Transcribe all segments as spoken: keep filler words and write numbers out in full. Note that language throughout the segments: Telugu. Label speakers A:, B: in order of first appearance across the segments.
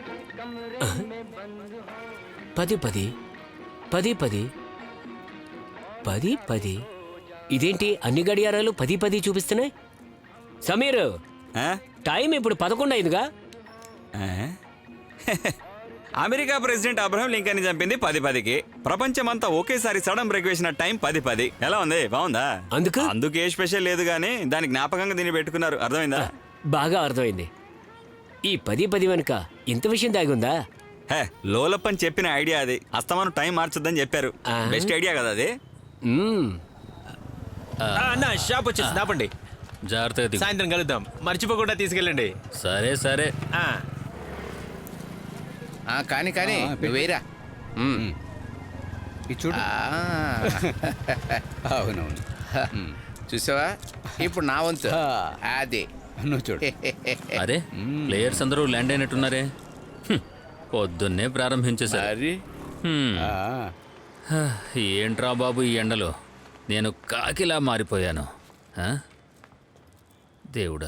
A: పది పది పది పది పది పది ఇదేంటి అన్ని గడియారాలు పది పది చూపిస్తున్నాయి? సమీర్, టైం ఇప్పుడు పదకొండు అయిందిగా.
B: అమెరికా ప్రెసిడెంట్ అబ్రహం లింకన్ చంపింది పది పదికి. ప్రపంచమంతా ఒకేసారి సడన్ బ్రేక్ వేసిన టైం పది పది. ఎలా ఉంది? బాగుందా?
A: అందుకు
B: అందుకే స్పెషల్ లేదు గానీ దానికి జ్ఞాపకంగా దీన్ని పెట్టుకున్నారు. అర్థమైందా?
A: బాగా అర్థమైంది. ఈ పది పది వెనుక ఇంత విషయం దాగి ఉందా?
B: హే, లోలప్పని చెప్పిన ఐడియా అది. అస్తమానం టైం మార్చొద్దని చెప్పారు. బెస్ట్ ఐడియా కదా అది.
C: అన్న షాప్ వచ్చేసి ఆపండి.
D: జాగ్రత్తగా
C: సాయంత్రం కలుద్దాం, మర్చిపోకుండా తీసుకెళ్ళండి.
D: సరే సరే.
E: కానీ కానీ వేరా చూడు. అవునవును, చూసావా? ఇప్పుడు నా వంతు. అదే నువ్వు చూడు.
D: అరే, ప్లేయర్స్ అందరూ ల్యాండ్ అయినట్టున్నారే. పొద్దున్నే ప్రారంభించేసారు. ఏంట్రా బాబు ఈ ఎండలో నేను కాకిలా మారిపోయాను. దేవుడా.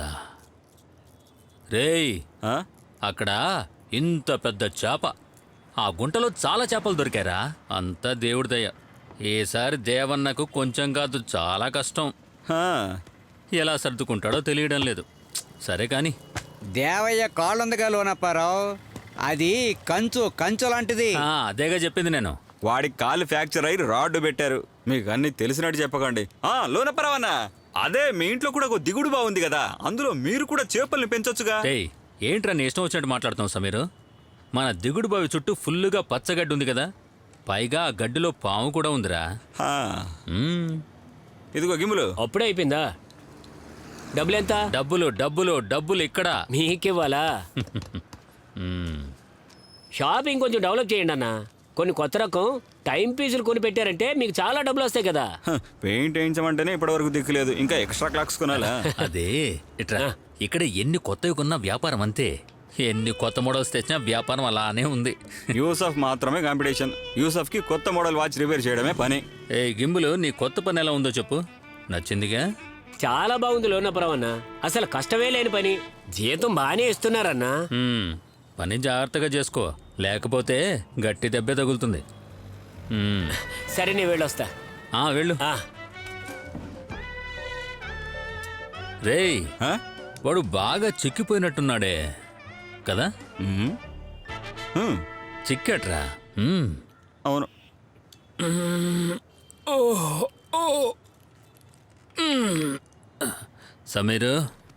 D: రేయ్, అక్కడ ఇంత పెద్ద చేప, ఆ గుంటలో చాలా చేపలు దొరికారా? అంతా దేవుడి దయ. ఈసారి దేవన్నకు కొంచెం కాదు చాలా కష్టం. ఎలా సర్దుకుంటాడో తెలియడం లేదు. సరే కాని
F: దేవయ్య కాళ్ళుందగా లోనప్పారావు, అది కంచు కంచు లాంటిది.
D: అదేగా చెప్పింది నేను.
B: వాడికి కాలు ఫ్రాక్చర్ అయ్యి రాడ్డు పెట్టారు. మీకు అన్ని తెలిసినట్టు చెప్పకండి. ఆ లోనపరవన్నా, అదే మీ ఇంట్లో కూడా ఒక దిగుడు బాగుంది కదా, అందులో మీరు కూడా చేపల్ని పెంచొచ్చుగా.
D: ఏంట్రా నీ ఇష్టం వచ్చినట్టు మాట్లాడుతాం సమీరు? మన దిగుడు బావి చుట్టూ ఫుల్లుగా పచ్చగడ్డి ఉంది కదా, పైగా ఆ గడ్డిలో పాము కూడా ఉందిరా.
B: ఇదిగో గిమ్ములు.
A: అప్పుడే అయిపోయిందా? డబ్బులు ఎంత?
D: డబ్బులు డబ్బులు డబ్బులు ఇక్కడ
A: మీకివ్వాలా? షాపింగ్ కొంచెం డెవలప్ చేయండి అన్న. కొన్ని కొత్త రకం టైం పీసులు కొని పెట్టారంటే మీకు చాలా డబ్బులు వస్తాయి కదా.
B: పెయింట్ వేయించమంటేనే ఇప్పటి వరకు దిక్కులేదు, ఇంకా ఎక్స్ట్రా క్లాక్స్ కొనాలా?
D: అదే ఇట్రా, ఇక్కడ ఎన్ని కొత్తవి కొన్నా వ్యాపారం అంతే. ఎన్ని కొత్త మోడల్స్ తెచ్చినా వ్యాపారం అలానే ఉంది.
B: యూసఫ్ మాత్రమే కాంపిటీషన్. యూసఫ్ కి కొత్త మోడల్ వాచ్ రిపేర్ చేయడమే పని.
D: ఏ గింబులు, నీ కొత్త పని ఎలా ఉందో చెప్పు. నచ్చిందిగా?
A: చాలా బాగుంది లోనపురం అన్న. అసలు కష్టమే లేని పని, జీతం బాగానే ఇస్తున్నారన్నా.
D: పని జాగ్రత్తగా చేసుకో, లేకపోతే గట్టి దెబ్బే తగులుతుంది.
A: సరే నేను వెళ్ళొస్తా.
D: వెళ్ళు. రేయ్, వాడు బాగా చిక్కిపోయినట్టున్నాడే కదా? చిక్కట్రా.
B: అవును.
D: సమీరు,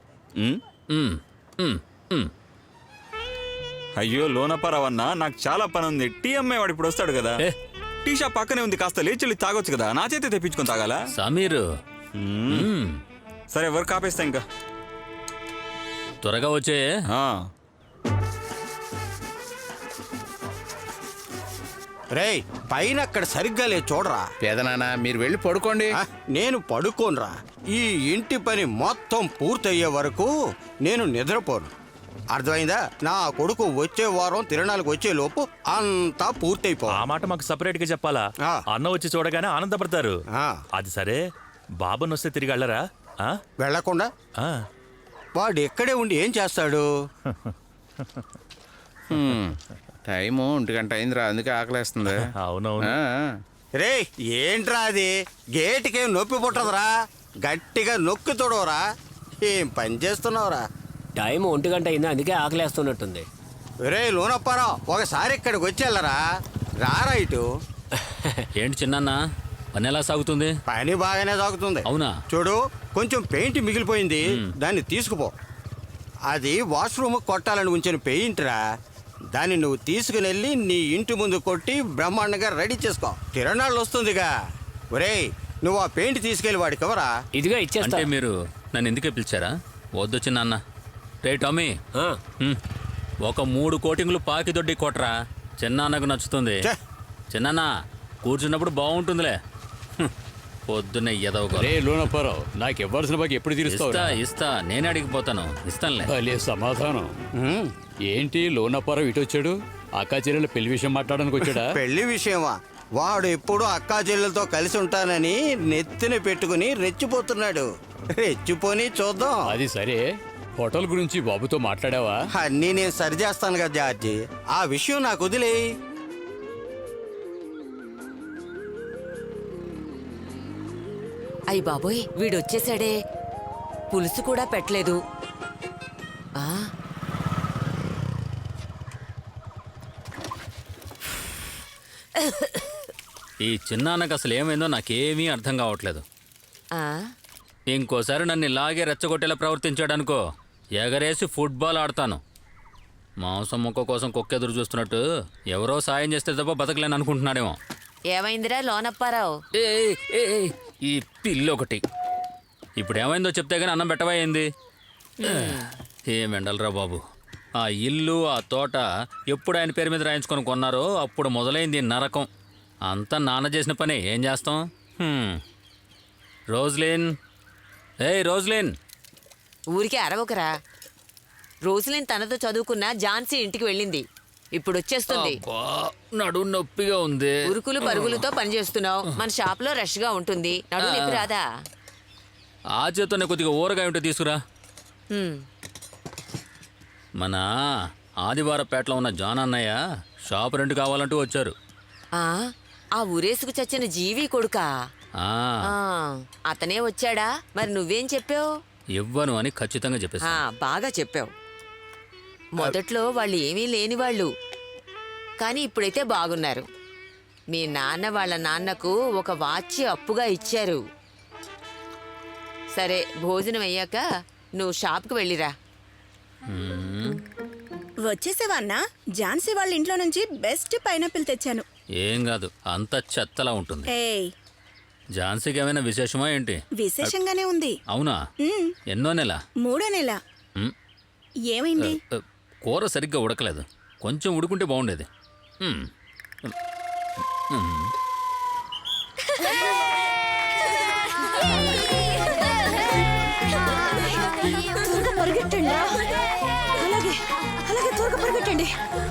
B: అయ్యో లోనపరవన్నా, నాకు చాలా పని ఉంది. టీ అమ్మాయి వాడు ఇప్పుడు వస్తాడు కదా. టీ షాప్ పక్కనే ఉంది, కాస్త లేచి తాగొచ్చు కదా. నా చేతి తెప్పించుకొని తాగాలా?
D: సమీరు,
B: సరే వర్క్ ఆపేస్తా, ఇంకా
D: త్వరగా వచ్చే.
E: రేయ్, పైన అక్కడ సరిగ్గా లేదు చూడరా.
F: పేదనాన్న, మీరు వెళ్ళి పడుకోండి.
E: నేను పడుకోనరా. ఈ ఇంటి పని మొత్తం పూర్తయ్యే వరకు నేను నిద్రపోను. అర్థమైందా? నా కొడుకు వచ్చే వారం తిరణాలకు వచ్చే లోపు అంతా పూర్తయిపో.
C: ఆ మాట మాకు సపరేట్ గా చెప్పాలా? అన్న వచ్చి చూడగానే ఆనందపడతారు. అది సరే, బాబుని వస్తే తిరిగి వెళ్ళరా?
E: వెళ్ళకుండా వాడు ఎక్కడే ఉండి ఏం చేస్తాడు?
F: టైము ఒంటి గంట అయిందిరా, అందుకే ఆకలేస్తుంది.
C: అవునవును.
E: రే, ఏంట్రా అది? గేటుకేం నొప్పి పుట్టదురా, గట్టిగా నొక్కి తోడవరా. ఏం పని చేస్తున్నావురా?
A: టైం ఒంటి గంట అయింది, అందుకే ఆకలేస్తున్నట్టుంది.
E: రే లోనప్పారా, ఒకసారి ఇక్కడికి వచ్చేళ్ళరా. రారా ఇటు.
D: ఏంటి చిన్న పని ఎలా సాగుతుంది?
E: పని బాగానే సాగుతుంది.
D: అవునా?
E: చూడు, కొంచెం పెయింట్ మిగిలిపోయింది, దాన్ని తీసుకుపో. అది వాష్రూమ్ కొట్టాలని ఉంచిన పెయింట్ రా. దాన్ని నువ్వు తీసుకుని వెళ్ళి నీ ఇంటి ముందు కొట్టి బ్రహ్మాండంగా రెడీ చేసుకో. తిరణాళ్ళు వస్తుందిగా. ఒరేయ్, నువ్వు ఆ పెయింట్ తీసుకెళ్ళి వాడికి ఎవరా?
A: ఇదిగా ఇచ్చేస్తా.
D: అంటే మీరు నన్ను ఎందుకే పిలిచారా? వద్దు చిన్న. రే టామీ, ఒక మూడు కోటింగ్లు పాకి దొడ్డి కొట్రా, చిన్నాన్నకు నచ్చుతుంది. చిన్న కూర్చున్నప్పుడు బాగుంటుందిలే. పొద్దున్నే ఎదవగా.
G: రే లోనప్పారావు, నాకు ఇవ్వాల్సిన బాకి ఎప్పుడు తీరుస్తావు?
D: ఇస్తా ఇస్తా నేనే అడిగిపోతాను. ఇస్తానులే.
G: సమాధానం ఏంటి? లోనప్పారావు ఇటు వచ్చాడు, అక్కా చెల్లెల పెళ్లి విషయం మాట్లాడడానికి వచ్చాడా?
E: పెళ్లి విషయమా? వాడు ఎప్పుడు అక్కా చెల్లెలతో కలిసి ఉంటానని నెత్తిన పెట్టుకుని రెచ్చిపోతున్నాడు. రెచ్చిపోని చూద్దాం.
G: అది సరే, హోటల్ గురించి బాబుతో మాట్లాడావా?
E: అన్నీ నేను సరి చేస్తాను కదా జార్జి, ఆ విషయం నాకు వదిలే.
H: అయ్య బాబోయ్, వీడొచ్చేసాడే. పులుసు కూడా పెట్టలేదు. ఆ
D: ఈ చిన్నాన్నకు అసలు ఏమైందో నాకేమీ అర్థం కావట్లేదు.
H: ఆ
D: ఇంకోసారి నన్ను ఇలాగే రెచ్చగొట్టేలా ప్రవర్తించాడనుకో, ఎగరేసి ఫుట్బాల్ ఆడతాను. మాంసం ముక్క కోసం కుక్కెదురు చూస్తున్నట్టు ఎవరో సాయం చేస్తే తప్ప బతకలేను అనుకుంటున్నాడేమో.
H: ఏమైందిరా లోనప్పారావు?
D: ఏ ఏ, ఏ, ఈ పిల్లి ఒకటి ఇప్పుడు ఏమైందో చెప్తే గానీ అన్నం పెట్టవా ఏంది? ఏం ఎండలరా బాబు. ఆ ఇల్లు ఆ తోట ఎప్పుడు ఆయన పేరు మీద రాయించుకొని కొన్నారో అప్పుడు మొదలైంది ఈ నరకం. అంతా నాన్న చేసిన పని, ఏం చేస్తాం? హ్మ్. రోజ్లిన్, ఏయ్ రోజ్లిన్.
H: ఊరికే అరవకరా. రోజులేని తనతో చదువుకున్న ఝాన్సీ ఇంటికి వెళ్ళింది. ఇప్పుడు వచ్చేస్తుంది.
D: అబ్బా, నడుము నొప్పిగా ఉంది.
H: ఉరుకులు పరుగులతో పనిచేస్తున్నావు. మన షాప్ లో రష్ గా ఉంటుంది. నడుము నొప్పి రాదా?
D: ఆ చేతోనే కొద్దిగా ఊరగాయ ఉంటే తీసుకురా.
H: హ్మ్.
D: మన ఆదివారపేటలో ఉన్న జాన్ అన్నయ్య షాప్ రెంట్ కావాలంటూ వచ్చారు.
H: ఆ ఆ ఊరేసుకు చచ్చిన జీవి కొడుకా?
D: ఆ,
H: ఆ, అతనే వచ్చాడా? మరి నువ్వేం చెప్పావు?
D: ఇవ్వను అని ఖచ్చితంగా
H: ఆ,
D: చెప్పేసి.
H: బాగా చెప్పావు. మొదట్లో వాళ్ళు ఏమీ లేని వాళ్ళు, కానీ ఇప్పుడైతే బాగున్నారు. మీ నాన్న వాళ్ళ నాన్నకు ఒక వాచ్ అప్పుగా ఇచ్చారు. సరే, భోజనం అయ్యాక నువ్వు షాప్కి వెళ్ళిరా.
I: వచ్చేసావా అన్నా? ఝాన్సీ వాళ్ళ ఇంట్లో నుంచి బెస్ట్ పైనాపిల్ తెచ్చాను.
D: ఏం కాదు, అంత చెత్తలా ఉంటుంది.
I: ఏయ్,
D: ఝాన్సీకి ఏమైనా విశేషమా ఏంటి?
I: విశేషంగానే ఉంది.
D: అవునా?
I: మ్మ్.
D: ఎన్నో నెల?
I: మూడో నెల.
D: మ్,
I: ఏమైంది?
D: అ, కూర సరిగ్గా ఉడకలేదు. కొంచెం ఉడుకుంటే బాగుండేది. మ్, మ్.
I: త్వరగా పరిగెట్టండి. అలాగే అలాగే త్వరగా పరిగెట్టండి.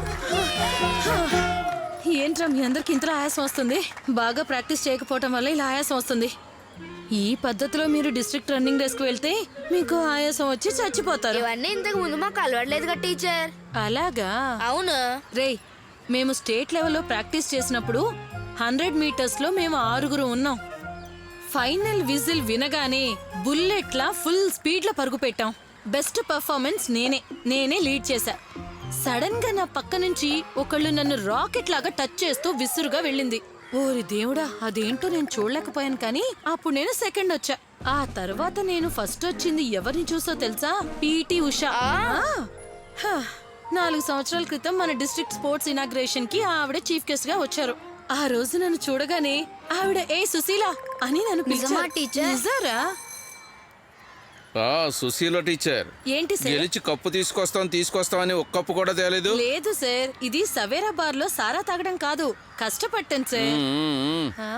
J: ఏంట్రా మీ అందరికి ఇంతలో ఆయాసం వస్తుంది? బాగా ప్రాక్టీస్ చేయకపోవటం వల్ల ఇలా ఆయాసం వస్తుంది. ఈ పద్ధతిలో మీరు డిస్ట్రిక్ట్ రన్నింగ్ రేస్కి వెళ్తే మీకు ఆయాసం వచ్చి చచ్చిపోతారు.
K: ఇవన్నీ ఇంతకు ముందు మాకు అలవాట్లేదుగా టీచర్.
J: అలాగా?
K: అవును.
J: రేయ్, మేము స్టేట్ లెవెల్లో ప్రాక్టీస్ చేసినప్పుడు హండ్రెడ్ మీటర్స్లో మేము ఆరుగురు ఉన్నాం. ఫైనల్ విజిల్ వినగానే బుల్లెట్లా ఫుల్ స్పీడ్లో పరుగు పెట్టాం. బెస్ట్ పర్ఫార్మెన్స్ నేనే నేనే లీడ్ చేశా. సడన్ గా నా పక్క నుంచి ఒకళ్ళు నన్ను రాకెట్ లాగా టచ్ చేస్తూ విసురుగా వెళ్ళింది. ఓరి దేవుడా, అదేంటో నేను చూడలేకపోయాను, కానీ అప్పుడు నేను సెకండ్ వచ్చా. ఆ తర్వాత నేను ఫస్ట్ వచ్చింది ఎవరిని చూసో తెలుసా? పీటీ ఉషా. హ, నాలుగు సంవత్సరాల క్రితం మన డిస్ట్రిక్ట్ స్పోర్ట్స్ ఇనాగ్రేషన్ కి ఆవిడ చీఫ్ గెస్ట్ గా వచ్చారు. ఆ రోజు నన్ను చూడగానే ఆవిడ ఏ సుశీల అని నన్ను
K: నిజమా
J: పిలిచారు.
K: టీచర్?
J: నిజారా?
F: ఆ సుశీల టీచర్
J: ఏంటి సార్?
F: గెలిచి కప్పు తీసుకొస్తాం తీసుకొస్తామని ఒక్క కప్పు కూడా తేలేదు.
J: లేదు సార్, ఇది సవేరా బార్ లో సారా తాగడం కాదు, కష్టపట్టాను సార్.
F: మ్మ్.
J: ఆ?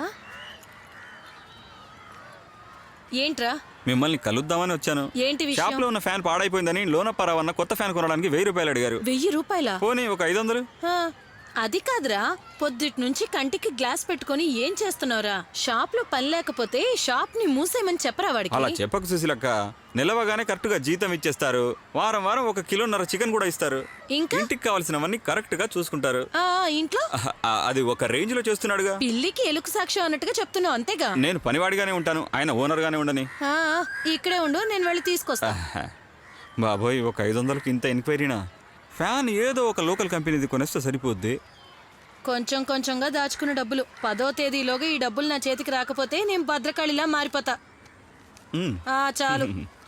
J: ఏంట్రా?
B: మిమ్మల్ని కలుద్దామని వచ్చాను.
J: ఏంటి విషయం?
B: షాప్ లో ఉన్న ఫ్యాన్ పాడైపోయిందని లోనప్పారావు అన్న కొత్త ఫ్యాన్ కొనడానికి వెయ్యి రూపాయలు అడిగారు.
J: వెయ్యి రూపాయల?
B: పోనీ ఒక ఐదు వందలు.
J: అది కాదురా, పొద్దుటి నుంచి కంటికి గ్లాస్ పెట్టుకొని ఏం చేస్తున్నావురా? షాప్ లో పని లేకపోతే షాప్ ని మూసేయమని చెప్పరా వాడికి?
B: అలా చెప్పకు సుశీలక్క. నిలవగానే కరెక్ట్ గా జీతం ఇచ్చేస్తారు. వారం వారం ఒక కిలోన్నర చికెన్ కూడా ఇస్తారు.
J: ఇంకా
B: ఇంటికి కావాల్సినవన్నీ కరెక్ట్ గా చూసుకుంటారు.
J: ఆ ఇంట్లో
B: అహ, ఆ, అది ఒక రేంజ్ లో చేస్తున్నాడుగా.
J: పిల్లికి ఎలుకు సాక్ష్యం అన్నట్టుగా చెప్తున్నావు, అంతేగా?
B: నేను పనివాడిగానే ఉంటాను, ఆయన ఓనర్ గానే ఉండని.
J: ఆ, ఇక్కడే ఉండు, నేను వెళ్ళి తీసుకొస్తా.
B: ఆహా. బాబోయ్, ఒక ఐదు వందలకి ఇంత ఎంక్వైరీనా? ఫ్యాన్ ఏదో ఒక లోకల్ కంపెనీది కొనేస్తే సరిపోద్ది.
J: కొంచెం కొంచెంగా దాచుకున్న డబ్బులు పదో తేదీలోగా ఈ డబ్బులు నా చేతికి రాకపోతే నేను భద్రకాళిలా మారిపోతా.
B: మ్.
J: ఆ చాలు.